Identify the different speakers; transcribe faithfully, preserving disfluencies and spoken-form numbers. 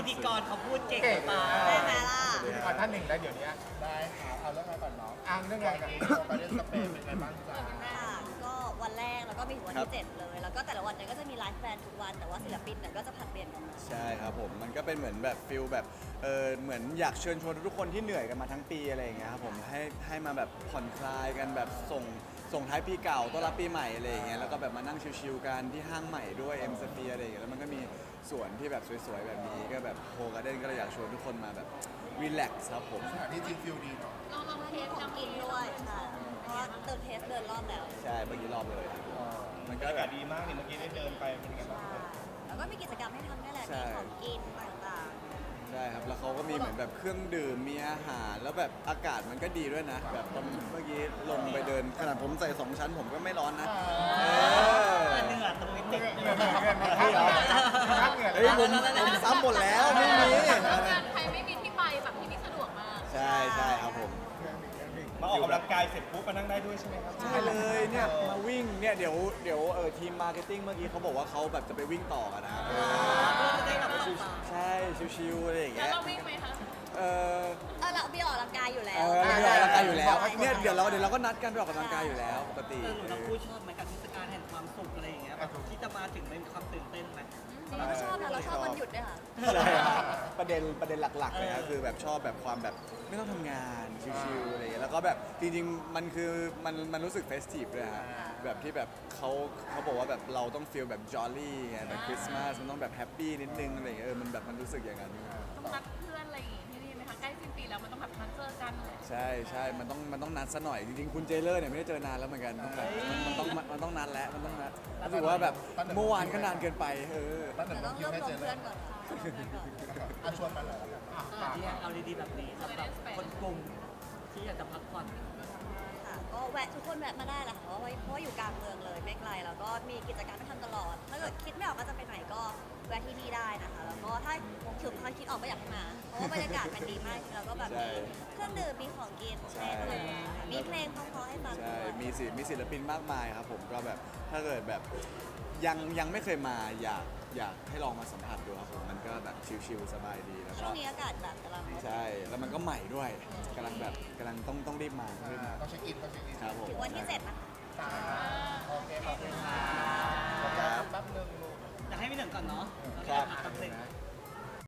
Speaker 1: ธีกรเขาพูดเก่งไป
Speaker 2: ได้ไหมล่ะ
Speaker 3: พิธีกรท่านหนึ่งแล้วเดี๋ยวนี้ได้ครับเอาเรื่องอะไรก่อนน้องอ่างเรื่องอะไรกันไปเล่นสเปนเป็นไงบ้างจ๊ะ
Speaker 2: ค่ะก็วันแรกแล้วก็มีถึงวันที่เจ็ดเลย แล้วก็แต่ละวันเนี่ยก็จะมีไลฟ์แบนด์ทุกวันแต่ว่าศิลปินเนี่ยก็จะผลัดเปลี่ยนกันมา
Speaker 4: ใช่ครับผมมันก็เป็นเหมือนแบบฟิลแบบเออเหมือนอยากเชิญชวนทุกคนที่เหนื่อยกันมาทั้งปีอะไรอย่างเงี้ยครับผมให้ให้มาแบบผ่อนคลายกันแบบส่งส่งท้ายปีเก่าต้อนรับปีใหม่อะไรอย่างเงี้ยแล้วก็แบบมานั่งชิลๆกันที่ห้างใหม่ด้วยเอ็มสเฟียอะไรอย่างเงี้ยแล้วมันก็มีสวนที่แบบสวยๆแบบนี้ก็แบบโฮการ์เด้นก็เลยอยากชวนทุกคนมาแบบรีแลกซ์ครับผม
Speaker 3: สถานที่จริงฟิลดีเนาะ
Speaker 2: เราลองเทสของกินด้วยใช่เพราะว่าเดินเทสเดินรอบแล้ว
Speaker 4: ใช่เมื่อกี้รอบเลยครับมัน
Speaker 3: บ
Speaker 4: ก็
Speaker 3: รรยา
Speaker 4: แบ
Speaker 3: กาศ
Speaker 4: บ
Speaker 3: ดีมากนี่เมื่อกี้ได้เดินไปเป็นไงบ้าง
Speaker 2: แล้วก็มีกิจกรรมให้ทำนี่แหละ
Speaker 4: ใช่
Speaker 2: มีของกินต่าง
Speaker 4: ใช่ครับแล้วเขาก็มีเหมือนแบบเครื่องดื่มมีอาหารแล้วแบบอากาศมันก็ดีด้วยนะแบบตอนเมื่อกี้ลงไปเดินขนาดผมใส่สองชั้นผมก็ไม่ร้อนนะเออ
Speaker 1: เหนื่อยตรงนี้ติด
Speaker 3: เหงื่อเหงื่อเหงื่อเหงื่อเหงื่อ
Speaker 4: เฮ้ยผมผมซ้ำหมดแล้วไม่มี
Speaker 5: ไทยไม่มีที่ไปแบบที่นี่สะดวกมาก
Speaker 4: ใช่ใช่ครับผม
Speaker 3: มาออกกำลังกายเสร็จปุ๊บมานั่งได้ด้วยใช่ไหมครับ
Speaker 4: ใช่เลยเนี่ยมาวิ่งเนี่ยเดี๋ยวเดี๋ยวเออทีมมาร์เก็ตติ้งเมื่อกี้เขาบอกว่าเขาแบบจะไปวิ่งต่อกันนะครับ
Speaker 1: จะได้แบบว่า
Speaker 4: ใช่ชิวๆอะไรอย่าง
Speaker 5: แล้ว
Speaker 4: เงี้ย
Speaker 5: เราวิ่งไหมคะ
Speaker 4: เออ
Speaker 2: ๆเออเราพี่ออกกำลังกายอยู่แล้
Speaker 4: เอ
Speaker 2: ว
Speaker 4: อเราออกกำลังกายอยู่แล้วเนี่ยเดี๋ยวเราเดี๋ยวเราก็นัดกันไปออกกำลังกายอยู่แล้วปกติ
Speaker 1: เออหนูทั้งคู่ชอบไหมกับเทศกาลแห่งความสุขอะไรอย่างเงี้ยแบบที่จะมาถึงมันมีความตื่นเต้นไหม
Speaker 2: เราก็ชอบนะเราชอบวันหยุดด้วยค่ะ
Speaker 4: ใช่ครับประเด็นประเด็นหลักๆเลยครับคือแบบชอบแบบความแบบไม่ต้องทำงานชิลๆอะไรอย่างเงี้ยแล้วก็แบบจริงๆมันคือมันมันรู้สึกเฟสทีฟด้วยฮะแบบที่แบบเขาเขาบอกว่าแบบเราต้องฟีลแบบจอลลี่ไงแบบคริสต์มาสมันต้องแบบแฮปปี้นิดนึงอะไรอย่างเงี้ยเออมันแบบมันรู้สึกอย่างนั้น
Speaker 5: ต้องนัดเพื่อนอะไรอย่างงี้ที่นี่ไหมคะ ใกล้สิ้นปีแล้วมันต้องแบบนัดเจอกันเลย
Speaker 4: ใช่ใช่มันต้องมันต้องนัดซะหน่อยจริงๆคุณเจเลอร์เนี่ยไม่ได้เจอนานแล้วเหมือนกันต้องแบบมันต้องมันต้องนัดแล้วมันต้องนัดรู้สึกว่าแบบเมื่อวานก็นานเกินไปเออ
Speaker 3: ตั้งแต่
Speaker 2: แต่ต้อง
Speaker 3: คิ
Speaker 2: ร
Speaker 3: ว
Speaker 2: วบ
Speaker 3: ให้
Speaker 2: รว
Speaker 3: เจ
Speaker 2: ม
Speaker 3: อเล
Speaker 2: เพื่
Speaker 3: ย
Speaker 2: อนก่อนค่ะรวบรวมเพื่อนก่อน
Speaker 3: อ่ะชวนมาเลยอ่ะฝาก
Speaker 1: ที่เอาดีๆแบบนี้สำหรับคนกลุ่มที่อยากจะพักผ่อน
Speaker 2: ค่ะก็แวะทุกคนแวะมาได้แหละค่ะเพราะว่าเพราะว่าอยู่กลางเมืองเลยไม่ไกลแล้วก็มีกิจกรรมให้ทำตลอด ถ้าเกิดคิดไม่ออกว่าจะไปไหนก็แวะที่นี่ได้นะคะ แล้วก็ถ้าถึงความคิดออกก็อยากให้มา เพราะว่าบรรยากาศมันดีมากแล้วก็แบบมีเครื่องดื่มมีของกินในตลอดเวลาค่ะมีเพลงเพราะๆให้ฟัง
Speaker 4: ใช่
Speaker 2: ด้วย
Speaker 4: มีศิลป์มีศิลปินมากมายครับผมก็แบบถ้าเกิดแบบยังยังไม่เคยมาอยากอยากให้ลองมาสัมผัสดูครับผมมันก็แบบชิลๆสบายดีแล้ว
Speaker 2: ช่
Speaker 4: ก็
Speaker 2: วงนี้อากาศแบบกำลัง
Speaker 4: ใช่แล้วมันก็ใหม่ด้วยกำลังแบบกำลังต้องต้องรีบมาต้องรีบมา
Speaker 3: ต้องเช็คอินต้องเช็คอิน
Speaker 4: ครับผม
Speaker 2: ถึงวันที่เจ็ดนะคะ
Speaker 3: จ้าโอเคขอบคุณครับแป๊บนึงลูก
Speaker 1: อยากให้พี่หนึ่งก่อนเนาะ
Speaker 4: ครับ
Speaker 1: แป๊บหนึง